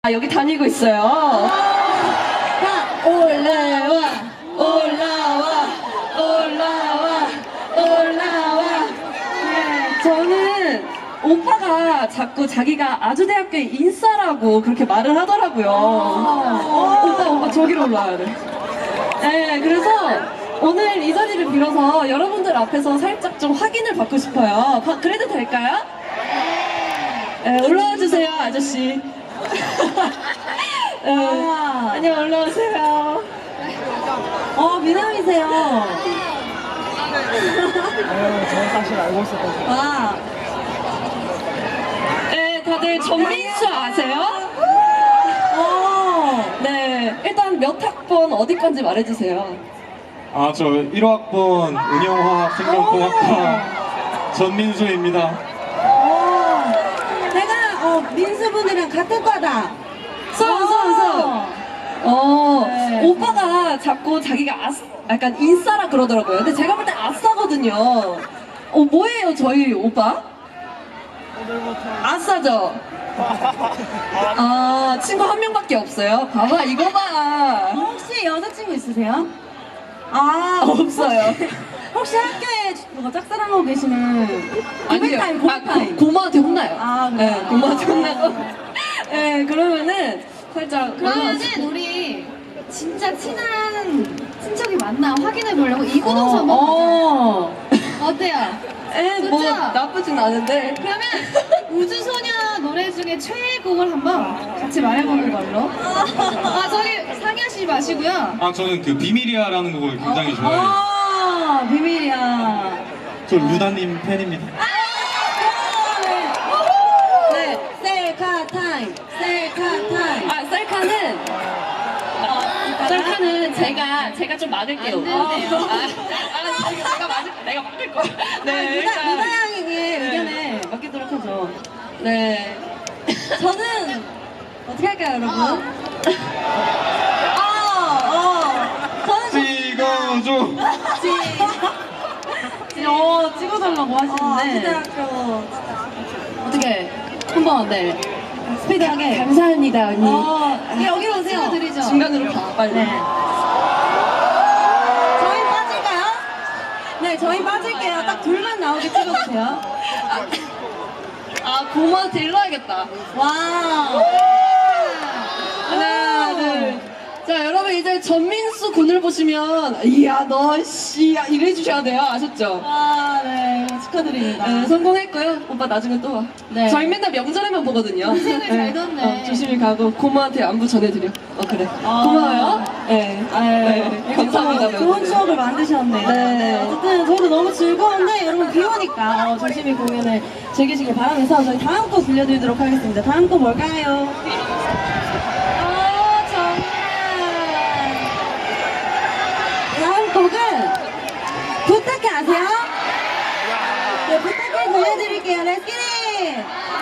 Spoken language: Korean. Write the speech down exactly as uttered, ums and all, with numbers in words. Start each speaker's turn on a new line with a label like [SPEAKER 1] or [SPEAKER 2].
[SPEAKER 1] 아, 여기 다니고 있어요.
[SPEAKER 2] 아, 올라와, 올라와, 올라와, 올라와.
[SPEAKER 1] 네, 저는 오빠가 자꾸 자기가 아주대학교의 인싸라고 그렇게 말을 하더라고요. 오빠, 오빠 저기로 올라와야 돼. 네, 그래서 오늘 이 자리를 빌어서 여러분들 앞에서 살짝 좀 확인을 받고 싶어요. 바, 그래도 될까요? 네, 올라와 주세요, 아저씨. 네,
[SPEAKER 2] 아.
[SPEAKER 1] 안녕, 올라오세요.
[SPEAKER 2] 어, 미남이세요.
[SPEAKER 3] 저는 사실 알고 있었거든요.
[SPEAKER 2] 와.
[SPEAKER 1] 네, 다들 전민수 아세요?
[SPEAKER 2] 어.
[SPEAKER 1] 네, 일단 몇 학번 어디 건지 말해주세요.
[SPEAKER 3] 아, 저 일 호학번 운영화학 생명공학과 전민수입니다.
[SPEAKER 2] 어. 내가, 어, 민수분이랑 같은 과다.
[SPEAKER 1] 수업, 수업, 수업. 어,
[SPEAKER 2] 네.
[SPEAKER 1] 오빠가 자꾸 자기가 아싸, 약간 인싸라 그러더라고요. 근데 제가 볼 때 아싸거든요. 어, 뭐예요, 저희 오빠? 아싸죠? 아, 친구 한 명밖에 없어요? 봐봐, 이거 봐.
[SPEAKER 2] 어, 혹시 여자친구 있으세요? 아,
[SPEAKER 1] 없어요.
[SPEAKER 2] 혹시 학교에 뭐 짝사랑하고 계시는
[SPEAKER 1] 아니요.
[SPEAKER 2] 고백타임,
[SPEAKER 1] 아,
[SPEAKER 2] 고백타임.
[SPEAKER 1] 고, 고모한테 혼나요.
[SPEAKER 2] 아,
[SPEAKER 1] 네,
[SPEAKER 2] 그래요?
[SPEAKER 1] 고모한테 혼나고. 네, 그러면은 살짝.
[SPEAKER 4] 그러면은
[SPEAKER 1] 올라와서.
[SPEAKER 4] 우리 진짜 친한 친척이 맞나 확인해 보려고 이구동서 한번 가자.
[SPEAKER 1] 어.
[SPEAKER 4] 어때요?
[SPEAKER 1] 에, 뭐
[SPEAKER 4] 좋죠?
[SPEAKER 1] 나쁘진 않은데.
[SPEAKER 4] 그러면 우주소녀 노래 중에 최애곡을 한번 같이 말해보는 걸로. 아 저기 상의하시지 마시고요.
[SPEAKER 3] 아, 저는 그 비밀이야라는 곡을 굉장히 좋아해요.
[SPEAKER 2] 아, 비밀이야.
[SPEAKER 3] 저 루다님 팬입니다.
[SPEAKER 1] 네.
[SPEAKER 2] 셀카 타임, 셀카 타임.
[SPEAKER 1] 아, 셀카는 어, 셀카는 제가 제가 좀 막을게요.
[SPEAKER 4] 안 된대요.
[SPEAKER 1] 아, 아, 지금 내가 막을 내가 막을 거야. 네,
[SPEAKER 2] 루다,
[SPEAKER 1] 일단
[SPEAKER 2] 루다 양에게 의견을 맡기도록 하죠.
[SPEAKER 1] 네.
[SPEAKER 2] 저는 어떻게 할까요, 여러분?
[SPEAKER 4] 어.
[SPEAKER 2] 어, 어. 저는
[SPEAKER 3] 찍어줘.
[SPEAKER 2] 지, 어, 찍어달라고 하시는데.
[SPEAKER 1] 아주대학교 어떻게 한번 네.
[SPEAKER 2] 스피드하게.
[SPEAKER 1] 감사합니다 언니.
[SPEAKER 2] 어, 네, 여기로 오세요.
[SPEAKER 4] 찍어드리죠.
[SPEAKER 1] 중간으로 가 빨리.
[SPEAKER 2] 네. 저희 빠질까요? 네, 저희 빠질게요. 딱 둘만 나오게 찍어주세요.
[SPEAKER 1] 아, 고모한테 일러야겠다.
[SPEAKER 2] 와.
[SPEAKER 1] 하나, 둘. 자, 여러분 이제 전민수 군을 보시면 이야 너 씨 이래 주셔야 돼요. 아셨죠?
[SPEAKER 2] 아, 네. 축하드립니다.
[SPEAKER 1] 네, 성공했고요. 오빠 나중에 또 와.
[SPEAKER 2] 네.
[SPEAKER 1] 저희 맨날 명절에만 보거든요.
[SPEAKER 4] 인생을 잘 뒀네.
[SPEAKER 1] 어, 조심히 가고 고모한테 안부 전해드려. 어 그래.
[SPEAKER 2] 아.
[SPEAKER 1] 고마워요. 네.
[SPEAKER 2] 아,
[SPEAKER 1] 네. 감사합니다.
[SPEAKER 2] 좋은
[SPEAKER 1] 멤버들.
[SPEAKER 2] 추억을 만드셨네요.
[SPEAKER 1] 네.
[SPEAKER 2] 네, 어쨌든 저도 너무 즐거운데 여러분 비 오니까 어, 조심히 공연을 즐기시길 바라면서 저희 다음 곡 들려드리도록 하겠습니다. 다음 곡 뭘까요? 어, 정말. 다음 곡은 부탁해 아세요? 네, 부탁해 들려드릴게요. Let's get it!